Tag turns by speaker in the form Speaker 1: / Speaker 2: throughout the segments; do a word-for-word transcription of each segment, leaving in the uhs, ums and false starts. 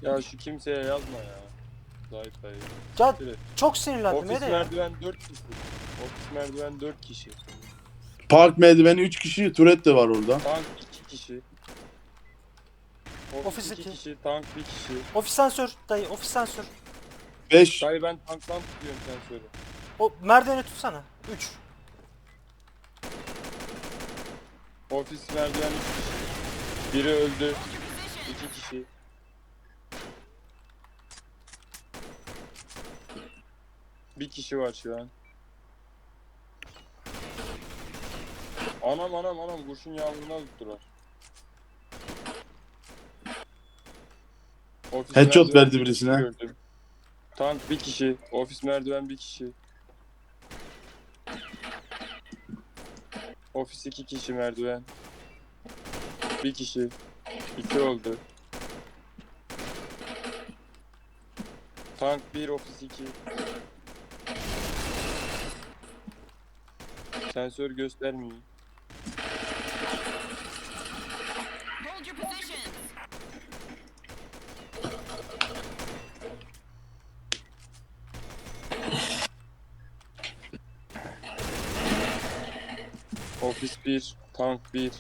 Speaker 1: Ya şu kimseye yazma ya. Zahit dayı.
Speaker 2: Ya
Speaker 1: Evet.
Speaker 2: çok sinirlendim.
Speaker 1: Ofis
Speaker 2: Nereye?
Speaker 1: merdiven dört kişi. Ofis merdiven dört kişi.
Speaker 3: Park merdiveni üç kişi, turret de var orada.
Speaker 1: Tank iki kişi. Ofis,
Speaker 2: Ofis
Speaker 1: iki
Speaker 2: iki.
Speaker 1: kişi, tank bir kişi.
Speaker 2: Ofis sensör dayı, ofis sensör.
Speaker 3: beş.
Speaker 1: Dayı ben tanktan tutuyorum, sen söyle.
Speaker 2: O merdiveni tutsana. üç.
Speaker 1: Ofis merdiven üç kişi. Biri öldü. iki kişi. Bir kişi var şu an. Anam anam anam kurşun yağmuruna tuttular. Ofis
Speaker 3: Headshot
Speaker 1: merdiven
Speaker 3: verdi
Speaker 1: bir kişi
Speaker 3: birisine.
Speaker 1: gördüm. Tank bir kişi. Ofis merdiven bir kişi. Ofis iki kişi merdiven. Bir kişi. İki oldu. Tank bir, ofis iki. Sensör göstermiyor.
Speaker 4: Hold your positions.
Speaker 1: Ofis bir, tank bir.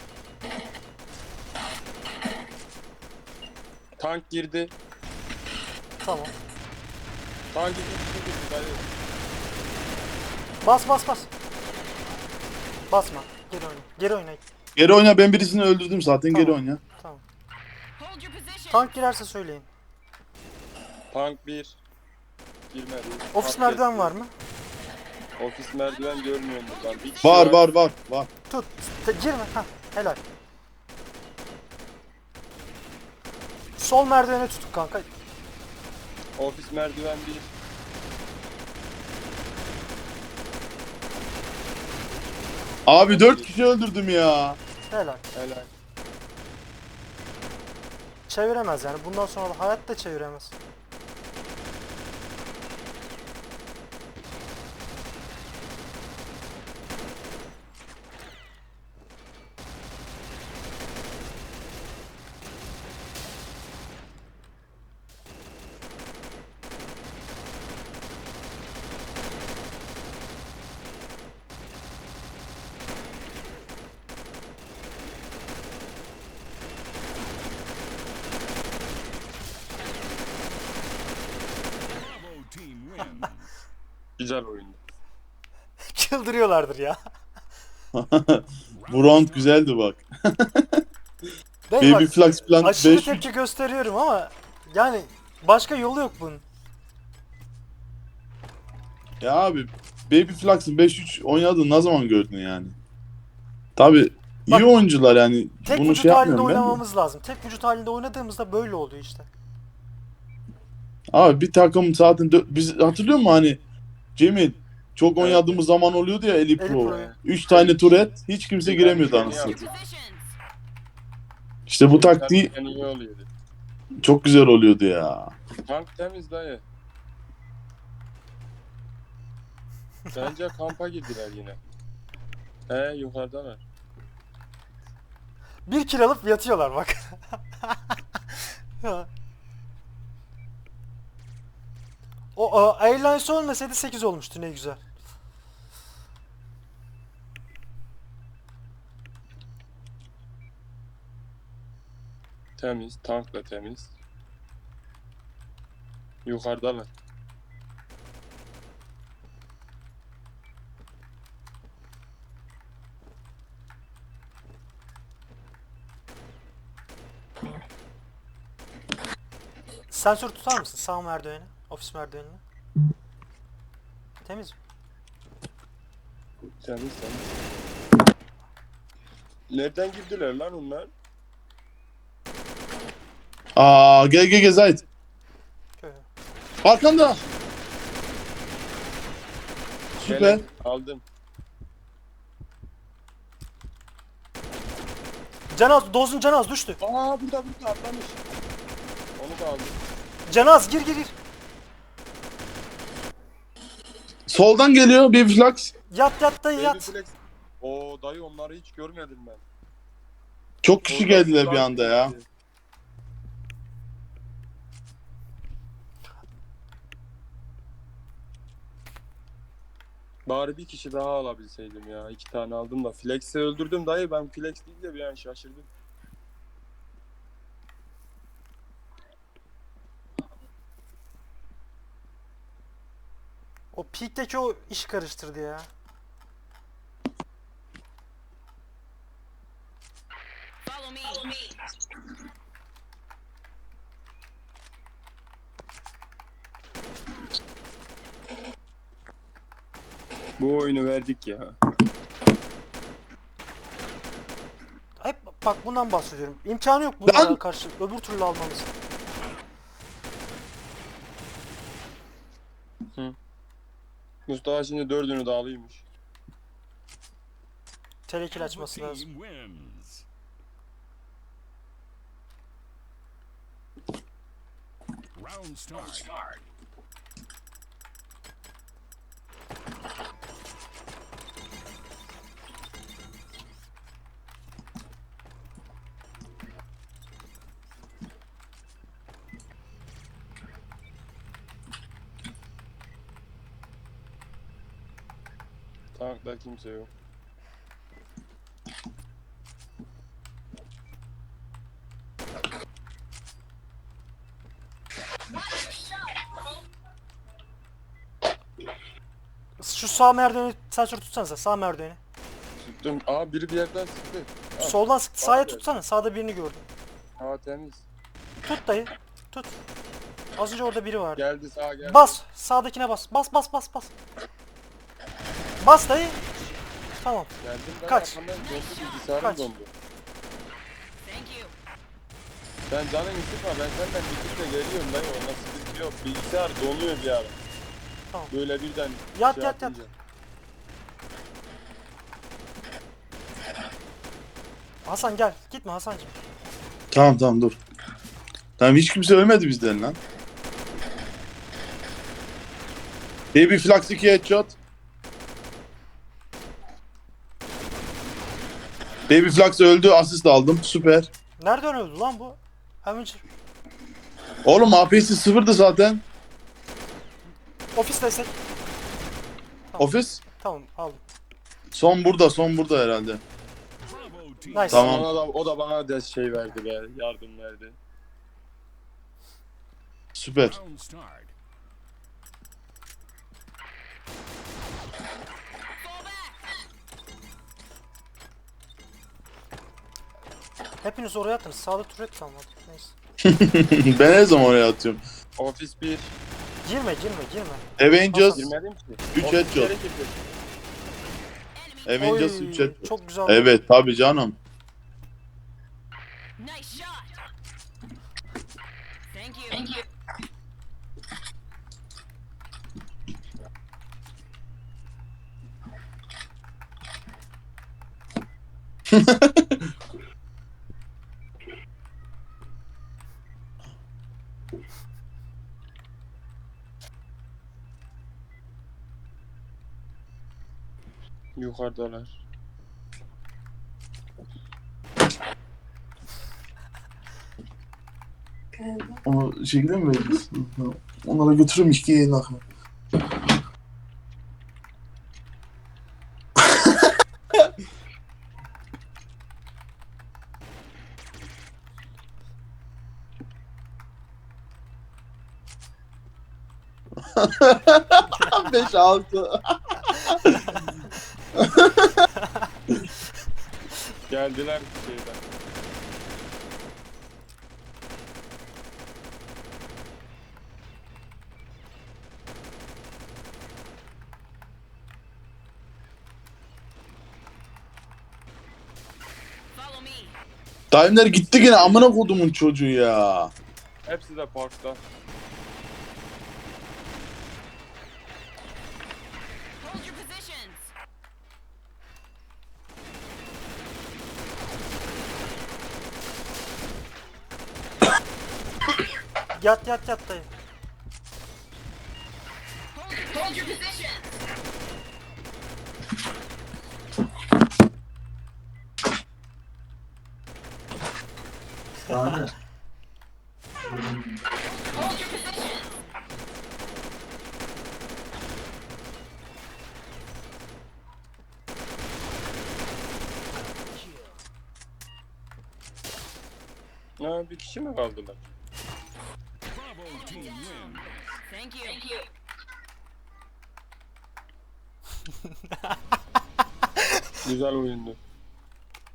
Speaker 1: Tank girdi.
Speaker 2: Tamam.
Speaker 1: Tank iki kişi girdi dayı.
Speaker 2: Bas bas bas. Basma. Geri oyna. Geri oyna.
Speaker 3: Geri oyna, ben birisini öldürdüm zaten,
Speaker 2: Tamam.
Speaker 3: geri oyna.
Speaker 2: Tamam.
Speaker 4: Hold your positions.
Speaker 2: Tank girerse söyleyin.
Speaker 1: Tank bir. Girmedi.
Speaker 2: Ofis
Speaker 1: Tank
Speaker 2: merdiven
Speaker 1: geçti.
Speaker 2: var mı?
Speaker 1: Ofis merdiven görmüyorum buradan. Bir kişi
Speaker 3: Var var var var.
Speaker 2: Tut. Te- girme. Hah. Helal. Sol merdiveni tutuk kanka.
Speaker 1: Ofis merdiven bir.
Speaker 3: Abi dört kişi öldürdüm ya.
Speaker 2: Helal.
Speaker 1: Helal.
Speaker 2: Çeviremez yani. Bundan sonra da hayatta çeviremez.
Speaker 5: Bravo team wins.
Speaker 1: Güzel oyundu.
Speaker 2: Çıldırıyorlardır ya.
Speaker 3: Bu round güzeldi bak.
Speaker 2: Değil
Speaker 3: Baby
Speaker 2: bak.
Speaker 3: Flux plan
Speaker 2: Aşırı
Speaker 3: beş üç.
Speaker 2: tepki gösteriyorum ama yani başka yolu yok bunun.
Speaker 3: Ya abi Baby Flux'ın beş üç oynadığını ne zaman gördün yani? Tabi iyi
Speaker 2: Bak,
Speaker 3: oyuncular yani,
Speaker 2: Tek
Speaker 3: bunu
Speaker 2: vücut
Speaker 3: şey
Speaker 2: halinde
Speaker 3: yapmıyorum ben de.
Speaker 2: oynamamız lazım. Tek vücut halinde oynadığımızda böyle oluyor işte.
Speaker 3: Abi bir takım zaten dö- biz hatırlıyor musun hani Cemil çok
Speaker 1: Evet.
Speaker 3: oynadığımız zaman oluyordu ya Eli
Speaker 2: Eli
Speaker 3: Pro.
Speaker 2: Pro'yu.
Speaker 3: üç tane turret hiç kimse giremiyordu
Speaker 1: Güzel,
Speaker 3: anasını.
Speaker 1: güzel.
Speaker 4: Positions.
Speaker 3: İşte bu taktiği
Speaker 1: Gerçekten iyi oluyordu.
Speaker 3: çok güzel oluyordu ya.
Speaker 1: Tank temiz dayı. Bence kampa girdiler yine. He yukarıdalar.
Speaker 2: Bir kill alıp yatıyorlar bak. O Airlines olmasaydı sekiz olmuştu, ne güzel.
Speaker 1: Temiz, tank da temiz. Yukarıdalar.
Speaker 2: Sensör tutar mısın sağ merdiveni, ofis merdivenini? Temiz mi?
Speaker 1: Temiz temiz. Nereden girdiler lan onlar?
Speaker 3: Aa gel gel gel Zahit.
Speaker 2: Şöyle.
Speaker 3: Arkanda. Süper.
Speaker 1: Gelen, aldım.
Speaker 2: Canaz, dozun Canaz düştü.
Speaker 1: Aa burada burada atlamış. Onu da aldım.
Speaker 2: Canaz gir gir gir.
Speaker 3: Soldan geliyor Baby Flux.
Speaker 2: Yat yat dayı
Speaker 1: Baby
Speaker 2: yat.
Speaker 1: Flex. Oo dayı onları hiç görmedim ben.
Speaker 3: Çok kişi
Speaker 1: Oradan
Speaker 3: geldiler bir
Speaker 1: uzak
Speaker 3: anda ya.
Speaker 1: gitti. Bari bir kişi daha alabilseydim ya. İki tane aldım da. Flex'i öldürdüm dayı. Ben flex değil de bir an şaşırdım.
Speaker 2: O peak'teki o iş karıştırdı ya.
Speaker 4: Follow me. Follow me.
Speaker 1: Bu oyunu verdik ya.
Speaker 2: Hep bak bundan bahsediyorum. İmkanı yok bunlara
Speaker 3: Lan!
Speaker 2: karşı öbür türlü almamız.
Speaker 1: Mustafa şimdi dördünü de alıyormuş.
Speaker 2: Telekil
Speaker 5: Alpha
Speaker 2: açması lazım.
Speaker 5: team wins. Round start.
Speaker 1: Tankta kimse yok.
Speaker 2: Şu sağ merdiveni Selçuk tutsanıza sağ merdiveni.
Speaker 1: Tuttum. Aa biri bir yerden sıktı. Ha,
Speaker 2: Soldan sık sağa
Speaker 1: geldi.
Speaker 2: tutsana. Sağda birini gördüm.
Speaker 1: hava temiz.
Speaker 2: Tut dayı. Tut. Az önce orada biri vardı.
Speaker 1: Geldi sağa geldi.
Speaker 2: Bas. Sağdakine bas. Bas bas bas bas. Bas dayı. Tamam.
Speaker 1: Geldim ben
Speaker 2: Kaç.
Speaker 1: arkamdan dondu bilgisayarım
Speaker 2: Kaç.
Speaker 1: dondu.
Speaker 4: Thank you.
Speaker 1: Sen canını sıkma ben senden bitirle geliyorum dayı ona sıkıntı yok. Bilgisayar donuyor bir ara.
Speaker 2: Tamam.
Speaker 1: Böyle birden
Speaker 2: Yat,
Speaker 1: şey
Speaker 2: yat, yat.
Speaker 1: yapınca.
Speaker 2: Hasan gel. Gitme Hasancığım.
Speaker 3: Tamam tamam dur. Tamam hiç kimse ölmedi bizden lan. Baby Flux iki headshot. Baby Flux öldü, asist aldım. Süper.
Speaker 2: Nereden öldü lan bu? Avenger.
Speaker 3: Oğlum A P'si sıfırdı zaten.
Speaker 2: Ofis destek. Tamam.
Speaker 3: Ofis.
Speaker 2: Tamam aldım.
Speaker 3: Son burada, son burada herhalde.
Speaker 5: Bravo team.
Speaker 2: Nice.
Speaker 3: Tamam.
Speaker 1: Ona da, o da bana da şey verdi be yardım verdi.
Speaker 3: Süper.
Speaker 5: Round start.
Speaker 4: Fall back.
Speaker 2: Hepiniz oraya attınız. Sağda turret kalmadı. Neyse.
Speaker 3: Ben her zaman oraya atıyorum.
Speaker 1: Ofis bir.
Speaker 2: Girme girme girme.
Speaker 3: Avengers
Speaker 1: Girmedim ki.
Speaker 3: üç
Speaker 1: Ofis
Speaker 3: headshot.
Speaker 1: geri girdi.
Speaker 4: Enemy.
Speaker 3: Avengers
Speaker 2: Oy,
Speaker 3: üç headshot.
Speaker 2: çok güzel.
Speaker 3: Evet tabi canım.
Speaker 4: Nice shot. Thank you. Thank you.
Speaker 1: Yukarıdalar.
Speaker 3: Onu şekilde mi veririz? Onlara götürürüm iki yayın akımı. Beş altı.
Speaker 1: Geldiler şeyden.
Speaker 4: Follow me.
Speaker 3: Daimler gitti yine amına kodumun çocuğu ya.
Speaker 1: Hepsi de parkta.
Speaker 4: Hold your positions.
Speaker 2: Yat yat yat dayı.
Speaker 4: Hold your, hold your positions. Hold your positions.
Speaker 1: Ha, bir kişi mi kaldılar?
Speaker 5: Bravo team win.
Speaker 4: Thank you. Thank you.
Speaker 1: Güzel oyundu.